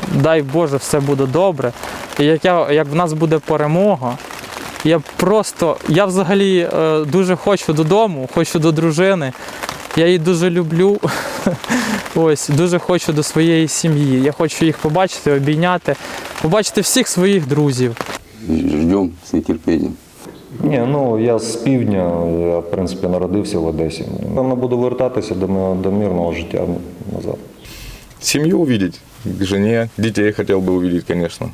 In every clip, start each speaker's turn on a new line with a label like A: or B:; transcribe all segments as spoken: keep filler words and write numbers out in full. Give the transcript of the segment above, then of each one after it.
A: дай Боже, все буде добре. І як, я, як в нас буде перемога, я просто, я взагалі е, дуже хочу додому, хочу до дружини. Я її дуже люблю. Ось, дуже хочу до своєї сім'ї. Я хочу їх побачити, обійняти, побачити всіх своїх друзів.
B: Ждемо з нетерпінням.
C: Ні, ну я з півдня, я в принципі народився в Одесі. Певно, буду вертатися до, до мирного життя назад.
D: Семью увидеть, к жене, детей хотел бы увидеть, конечно.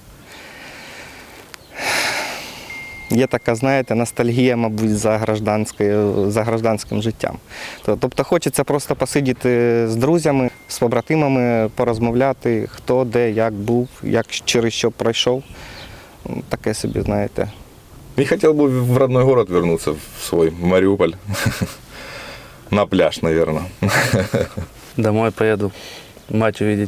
E: Є така, знаєте, ностальгія, мабуть, за, гражданською, за гражданським життям. Тобто хочеться просто посидіти з друзями, з побратимами, порозмовляти, хто де, як був, як через що пройшов. Таке собі, знаєте.
D: И хотел бы в родной город вернуться, в свой в Мариуполь. На пляж, наверное.
F: Домой поеду, мать увидеть.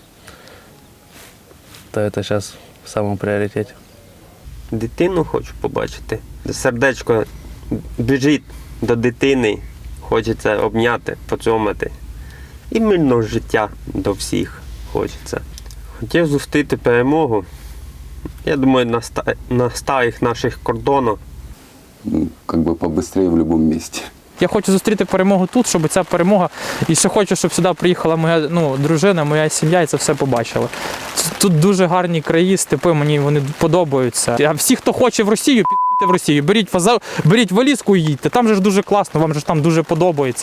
F: То это сейчас в самом приоритете.
G: Дитину хочу побачити. Сердечко біжить до дитини, хочеться обняти, поцьомати. І мирного життя до всіх хочеться. Хотів зустріти перемогу. Я думаю, на, ста... на старих наших кордонах.
B: Ну, как бы побыстрее в любом месте.
A: Я хочу зустріти перемогу тут, щоб ця перемога, і ще хочу, щоб сюди приїхала моя ну, дружина, моя сім'я і це все побачила. Тут дуже гарні краї, степи, мені вони подобаються. А всі, хто хоче в Росію, підійте в Росію, беріть, беріть валізку і їдьте, там же ж дуже класно, вам же ж там дуже подобається.